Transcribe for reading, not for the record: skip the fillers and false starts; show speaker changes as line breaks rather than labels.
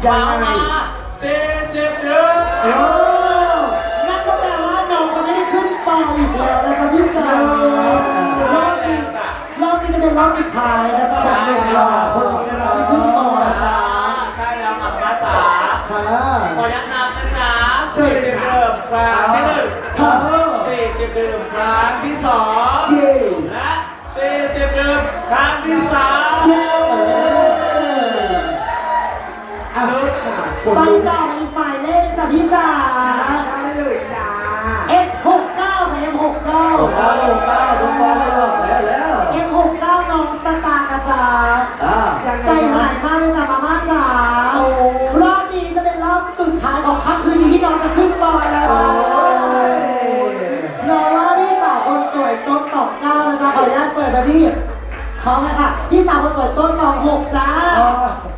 ยังไง
40 เดือน
นั่นก็แปลว่าน้องจะไม่ได้ขึ้นฟองอีกแล้วนะครับพี่จ๋ารอบนี้จะเป็นรอบสุดท้ายนะจ๊ะของหนุ่มหล่อคนนี้นะครับที่ขึ้นฟองนะจ๊ะ
ใช่แล้วค่ะป้าจ๋า
ค่ะ
ขอแนะนำนะคะ40 ดื่มครั้งที่1
ค่ะ
40 ดื่มครั้งที่ 2
เย้
และ40 ดื่มครั้งที่ 3
อ่ะฟังต่ออีกหมายเลขจ้ะพี่จ๋า
ได้เลยจ้า
F69 ค่ะ F69
ทุกคนแล้ว
F69 น้องตาตากระจาใจหายมากเลยจ้ะมาม่าจ๋ารอบนี้จะเป็นรอบสุดท้ายของค่ำคืนนี้ที่น้องจะขึ้นฟอยแล้วรอว่าพี่สาวคนสวยต้น29นะจ๊ะขออนุญาตเปิดมาที่เขาค่ะพี่สาวคนสวยต้น26จ้า